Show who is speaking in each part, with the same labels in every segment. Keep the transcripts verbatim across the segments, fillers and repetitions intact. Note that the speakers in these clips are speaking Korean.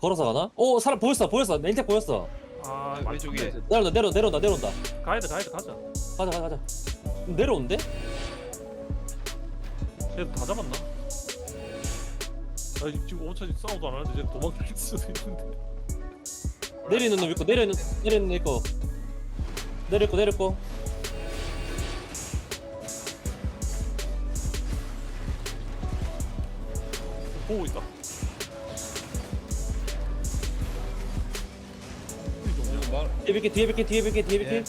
Speaker 1: 걸어서 가나? 오 사람 보였어 보였어 렌텍 보였어.
Speaker 2: 아
Speaker 3: 왼- 왼쪽에.
Speaker 2: 맞췄네.
Speaker 1: 내려온다 내려온다 내려온다 내려온다.
Speaker 2: 가야돼 가야돼 가자.
Speaker 1: 가자 가자 가자. 내려온대?
Speaker 2: 쟤 다 잡았나? 나 지금 오차지 싸우도 안 하는데 쟤 도망칠 수도 있는데.
Speaker 1: 내리는 놈 있고 내리는 내리는 놈 있고 내렸고 내렸고.
Speaker 2: 보고 있다.
Speaker 3: 말.
Speaker 1: 뒤에 뵐게 뒤에 뵐게 뒤에 뵐게 뒤에 뵐게.
Speaker 3: 예.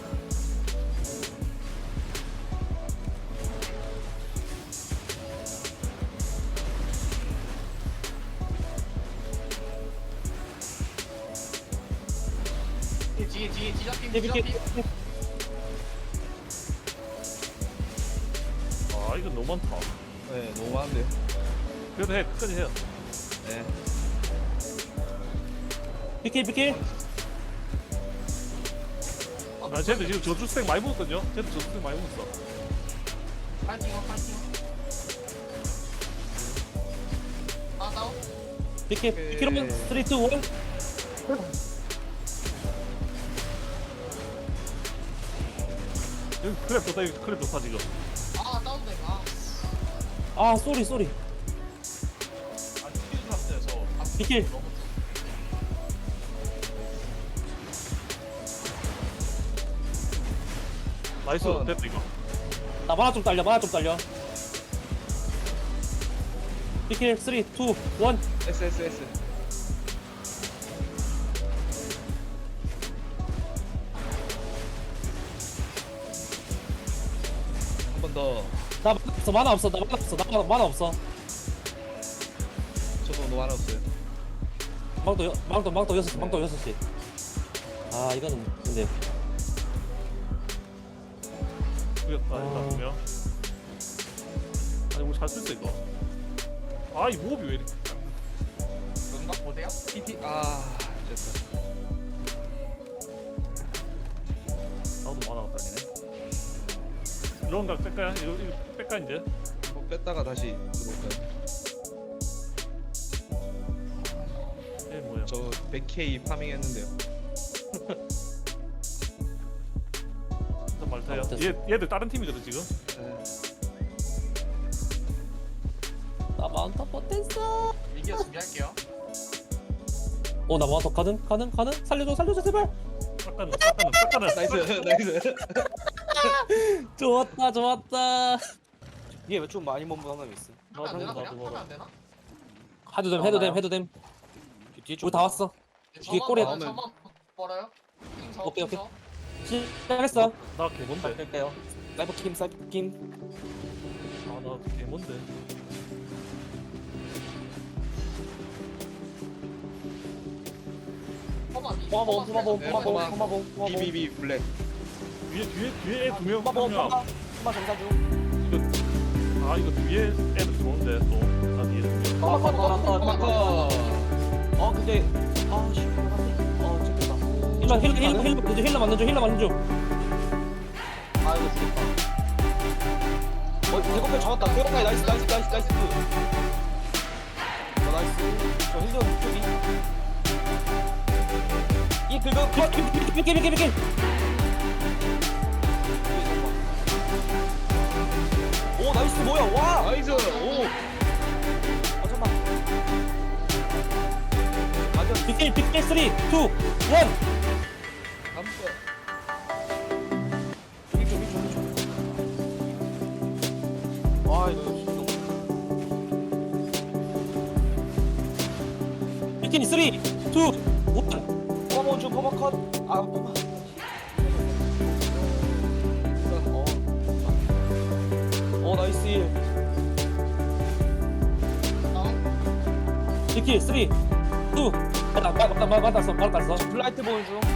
Speaker 4: 뒤에 뒤에 뒤잡힘
Speaker 1: 뒤에 뵐게.
Speaker 4: 뒤잡힘
Speaker 2: 아 이건 너무 많다.
Speaker 3: 네, 너무 많은데요.
Speaker 2: 그래도 해 끝까지 해요.
Speaker 3: 네.
Speaker 1: 뵐게 뵐게.
Speaker 2: 아 쟤들 지금 저주 스택 많이 먹었거든요. 쟤들 저주 스택 많이 먹었어.
Speaker 4: 파이팅어 파이팅 아 다운
Speaker 1: 뵐게 빅키로만 삼, 이, 일.
Speaker 2: 여기 크랩 좋다. 여기 크랩 좋다 지금.
Speaker 4: 아 다운돼 아
Speaker 1: 아 쏘리 쏘리.
Speaker 4: 아, 튀기는 상태에서
Speaker 1: 빅킬.
Speaker 4: 너무
Speaker 2: 나이스
Speaker 3: 어.
Speaker 2: 됐다 이거.
Speaker 1: 나 만화 좀 딸려 만화 좀 딸려. 빅킬 삼, 이, 일.
Speaker 3: S S S. 한 번 더.
Speaker 1: 나 만화 없어 만화 없어 나 만화 없어 나 만화, 만화 없어.
Speaker 3: 저도 너무 하나 없어요.
Speaker 1: 망도 여- 망도 망도 여섯 시 망도 여섯 시. 아 이거는 근데
Speaker 2: 죽였다
Speaker 1: 어.
Speaker 2: 일단 두명. 아니 우리 잘 쓸수 이거. 아 이 모업이 왜 이렇게.
Speaker 4: 음각 보세요
Speaker 3: T T. 아, 됐다.
Speaker 2: 나도 많아 다니네. 이런 각 뺄까요? 이거 이거 뺄까 이제?
Speaker 3: 한번 뺐다가 다시 들어올까요?
Speaker 2: 얘 뭐야?
Speaker 3: 저 백 케이 파밍 했는데요.
Speaker 2: 일단 말타요.
Speaker 1: 아, 됐어.
Speaker 2: 얘 얘들 다른 팀이거든 지금.
Speaker 3: 네.
Speaker 1: 나 마운터 못했어.
Speaker 4: 미기어 준비할게요
Speaker 1: 어나 마운터 가능 가능 가능 살려줘 살려줘 제발.
Speaker 2: 싹가는 싹가는 싹가는.
Speaker 3: 나이스, 나이스.
Speaker 1: 좋았다 좋았다.
Speaker 5: 얘 왜 좀 많이 몸부 상담이 있어?
Speaker 2: 나
Speaker 4: 하면 안 되나
Speaker 2: 나도
Speaker 4: 그냥? 하면
Speaker 2: 나도
Speaker 4: 안 되나?
Speaker 1: 해도 됨 해도 됨 해도 됨.
Speaker 5: 뒤에
Speaker 1: 우리 다 왔어. 뒤에 꼬리에
Speaker 4: 저만
Speaker 3: 나오면-
Speaker 4: 저만 벌어요 핑서
Speaker 1: 오케이, 오케이.
Speaker 4: 핑서.
Speaker 1: 시작했어.
Speaker 2: 나 개뭔데?
Speaker 5: 할게요. 사이버 킴, 사이버 킴.
Speaker 2: 아나 개뭔데?
Speaker 4: 포마비
Speaker 5: 포마봉, 포마봉,
Speaker 3: 네,
Speaker 5: 포마봉,
Speaker 3: 포마.
Speaker 5: 포마봉, 포마봉.
Speaker 3: 비비비 블랙.
Speaker 2: 뒤에 뒤에 뒤에 애 두 명.
Speaker 5: 포마봉,
Speaker 2: 한 명.
Speaker 5: 포마, 포마 정사 중.
Speaker 2: 이거 아 이거 뒤에 애들 좋은데 또. 나 뒤에 두 명.
Speaker 5: 포마 컷, 포마 컷, 포마 컷.
Speaker 3: 어.
Speaker 5: 어 근데 아 씨, 어 찍혔다.
Speaker 1: 힐러 힐러 힐러 힐러 만든 중 힐러 만든 중 힐러 만든 중.
Speaker 5: 아 이거 죽겠다. 어 대공표 잡았다. 대공표 나이스, 나이스, 나이스, 나이스. 어 나이스. 저 힐러 쪽이. 이 긁어 컷.
Speaker 1: 빅킬 빅킬 빅킬.
Speaker 5: 오 나이스 뭐야 와.
Speaker 3: 나이스. 오.
Speaker 5: 아 잠깐. 완전
Speaker 1: 빅킬 빅킬 삼, 이, 일.
Speaker 3: 감사.
Speaker 5: 이쪽 이쪽 이쪽. 아 이거 힘
Speaker 1: 빅킬 삼, 이, 일.
Speaker 5: 포마 중 포마 컷. 아 포마. 어. 어 나이스 일.
Speaker 4: 다운
Speaker 1: 빅킬 삼, 이, 일. 맞다 맞다 맞다 맞았어 맞았어.
Speaker 5: 블라이트 보는 중.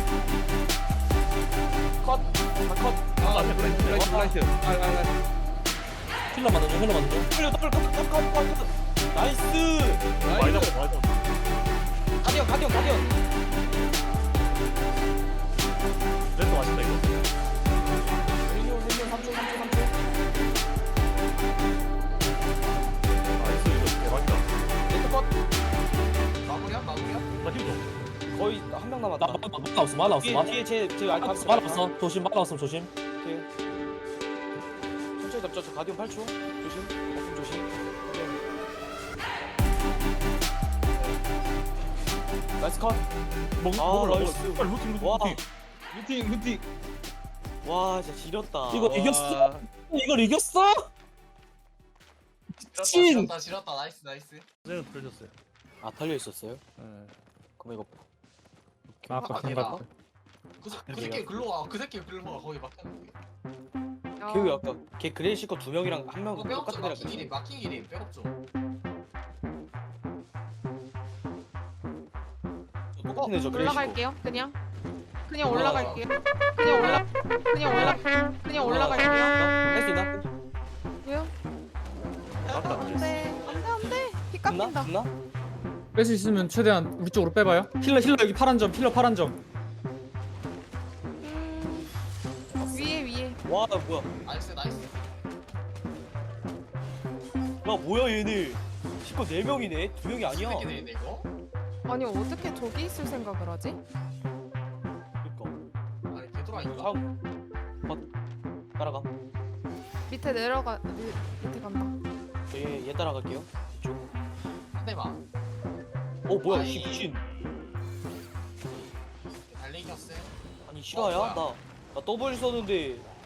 Speaker 5: 컷. 아 컷.
Speaker 3: 아, 블라이트, 블라이트, 블라이트. 아, 아, 아.
Speaker 1: 힐러 만든 중 힐러 만든 중.
Speaker 5: W W 컷 컷 컷 컷. 나이스.
Speaker 2: 많이
Speaker 3: 나이스.
Speaker 2: 잡아 많이 잡아.
Speaker 5: 가디언 가디언 가디언.
Speaker 2: 랜드 맛있다 이거.
Speaker 5: 힐리온 힐리온 삼 초 삼 초 삼 초.
Speaker 2: 나이스 이거 대박이다.
Speaker 5: 레드 컷.
Speaker 4: 마무리야 마무리야.
Speaker 2: 나 힘줘.
Speaker 5: 거의 한 명 남았다.
Speaker 1: 나 마- 마- 마나 없어 마나 없어
Speaker 5: 뒤에
Speaker 1: 마나
Speaker 5: 뒤에 제제
Speaker 1: 마나
Speaker 5: 알카
Speaker 1: 없어 마나 없어 조심 마나 없으면 조심.
Speaker 5: 오케이. 천천히 잡자. 저 가디언 팔 초. 조심. 조심 조심. 나이스 컷.
Speaker 2: 먹
Speaker 5: 아,
Speaker 2: 먹을라.
Speaker 5: 나이스.
Speaker 2: 먹을라. 빨리 루팅 루팅
Speaker 5: 와.
Speaker 2: 루팅.
Speaker 3: 루팅 루팅.
Speaker 5: 와 진짜 지렸다.
Speaker 1: 이거 이겼어? 이걸 이겼어?
Speaker 4: 지렸다
Speaker 1: 친!
Speaker 4: 지렸다 지렸다 나이스 나이스.
Speaker 2: 쟤는 들렸어요.
Speaker 5: 아 달려 있었어요?
Speaker 2: 네.
Speaker 5: 그럼 이거
Speaker 6: 아까
Speaker 4: 아,
Speaker 6: 생각.
Speaker 4: 대박. 그, 새- 그 새끼 글로 와. 그 새끼 글로 와. 거기 막혔는데.
Speaker 5: 걔왜 아까 걔 그레이시커 두 명이랑 한 명
Speaker 4: 어, 백업죠.
Speaker 5: 똑같은 데랑
Speaker 4: 마킹 일임 마킹 일임 백업죠.
Speaker 5: 똑같은 애죠 그레이시커.
Speaker 7: 올라갈게요. 그냥 그냥 올라갈게요. 그냥 올라 그냥 올라 그냥 올라갈게요.
Speaker 5: 할 수 있나?
Speaker 7: 왜요?
Speaker 2: 맞다.
Speaker 7: 안돼 안돼 안돼. 피
Speaker 5: 끝나?
Speaker 7: 깎인다.
Speaker 5: 끝나?
Speaker 6: 뺄 수 있으면 최대한 우리 쪽으로 빼봐요. 힐러 힐러 여기 파란 점 힐러 파란 점.
Speaker 7: 음, 위에 위에.
Speaker 5: 와 뭐야?
Speaker 4: 나이스 나이스.
Speaker 5: 야 뭐야 얘네? 시커 네 명이네. 두 명이 아니야.
Speaker 4: 새끼 되는데 이거.
Speaker 7: 아니 어떻게 저기 있을 생각을 하지?
Speaker 5: 그러니까.
Speaker 4: 아니 개돌아인가?
Speaker 5: 다음. 컷. 따라가.
Speaker 7: 밑에 내려가 미, 밑에 간다.
Speaker 5: 얘, 얘 따라갈게요. 이쪽.
Speaker 4: 한 대만.
Speaker 5: 어 뭐야?
Speaker 4: 아이.
Speaker 5: 이 미친.
Speaker 4: 달리기였어요.
Speaker 5: 아니 실화야?
Speaker 4: 어, 뭐야?
Speaker 5: 나 나 더블 썼는데